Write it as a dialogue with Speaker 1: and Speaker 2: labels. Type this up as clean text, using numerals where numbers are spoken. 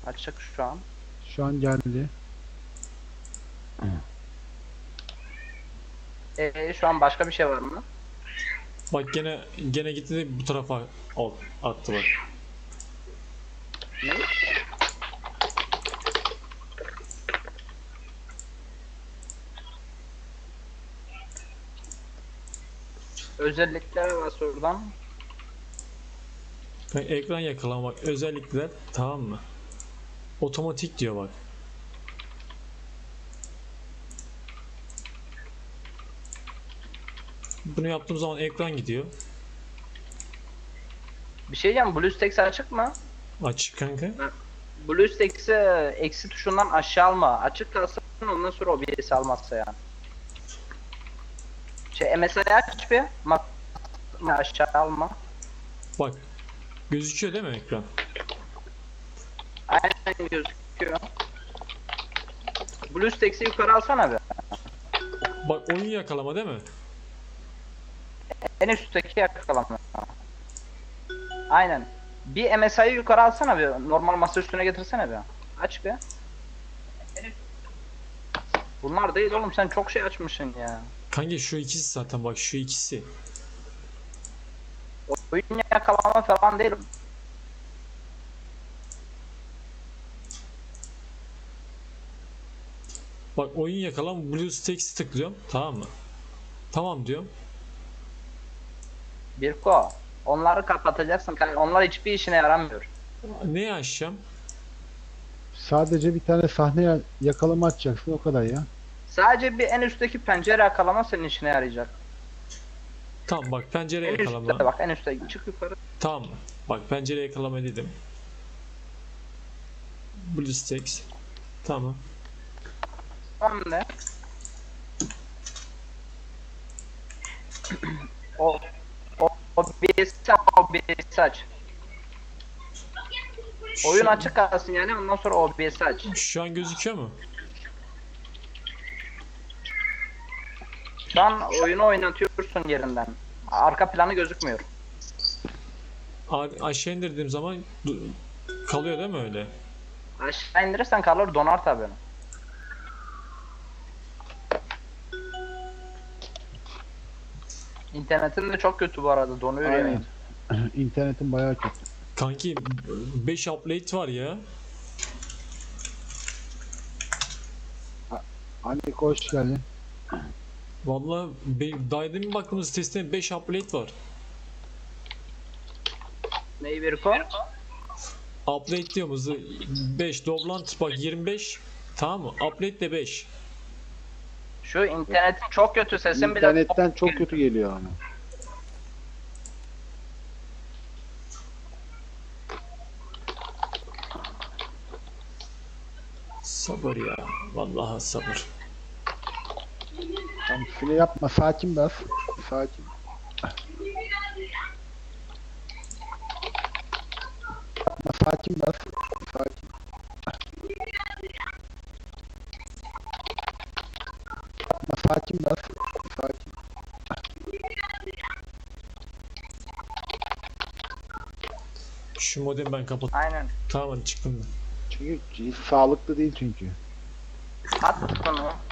Speaker 1: Açık şu an.
Speaker 2: Şu an geldi.
Speaker 1: Şu an başka bir şey var mı?
Speaker 3: Bak gene gitti de bu tarafa attı bak.
Speaker 1: Ne? Özellikler var oradan.
Speaker 3: Bak, ekran yakalamak özellikler, tamam mı? Otomatik diyor bak. Bunu yaptığım zaman ekran gidiyor.
Speaker 1: Bir şey diyeceğim. BlueStacks açık mı?
Speaker 3: Açık kanka.
Speaker 1: BlueStacks'i eksi tuşundan aşağı alma. Açık kalsın ondan sonra OBS almazsa yani. MSI aç bir. Aşağı alma.
Speaker 3: Bak gözüküyor değil mi ekran?
Speaker 1: Aynen gözüküyor. BlueStacks'i yukarı alsana bir.
Speaker 3: Bak oyun yakalama değil mi?
Speaker 1: En üstteki yakalama. Aynen. Bir MSI'yi yukarı alsana bir. Normal masa üstüne getirsene bir. Aç bir. Bunlar değil oğlum, sen çok şey açmışsın ya.
Speaker 3: Kanka şu ikisi zaten, bak şu ikisi.
Speaker 1: Oyun yakalama falan değil.
Speaker 3: Bak oyun yakalama, BlueStacks'i tıklıyorum, tamam mı? Tamam diyorum.
Speaker 1: Birko. Onları kapatacaksın. Onlar hiçbir işine yaramıyor.
Speaker 3: Neyi açacağım?
Speaker 2: Sadece bir tane sahne yakalama açacaksın, o kadar ya.
Speaker 1: Sadece bir en üstteki pencere yakalama senin işine yarayacak.
Speaker 3: Tamam bak pencere
Speaker 1: En üstte
Speaker 3: yakalama.
Speaker 1: bak, en üstte çık yukarı.
Speaker 3: Tamam mı? Bak pencere yakalama dedim. BlueStacks. Tamam.
Speaker 1: Tamam ne? O OBS aç. Oyun açık kalsın yani, ondan sonra OBS aç.
Speaker 3: Şu an gözüküyor mu?
Speaker 1: Şu an oyunu oynatıyorsun yerinden. Arka planı gözükmüyor.
Speaker 3: Aşağı indirdiğim zaman kalıyor değil mi öyle?
Speaker 1: Aşağı indirirsen kalır, donar tabii. İnternetin de çok kötü bu arada, donuyor yani.
Speaker 2: Aynen. İnternetin bayağı kötü.
Speaker 3: Kanki 5 update var ya.
Speaker 2: Hani hoş geldin.
Speaker 3: Vallahi daha demin baktığımız sitesinde 5 update var.
Speaker 1: Neyi Birko?
Speaker 3: Update diyoruz 5, Doblant bak 25, tamam mı? Update de 5.
Speaker 1: Şu internet çok kötü, sesin bile
Speaker 2: İnternetten çok kötü geliyor ama.
Speaker 3: Sabır ya. Vallahi sabır.
Speaker 2: Tam file yapma, sakin bas. Sakin. Yapma, sakin bas. Sakin. Yapma, sakin bas. Sakin.
Speaker 3: Şu modemi ben kapat.
Speaker 1: aynen.
Speaker 3: Tamam hadi çıktım ben.
Speaker 2: Çünkü hiç sağlıklı değil çünkü.
Speaker 1: At bunu.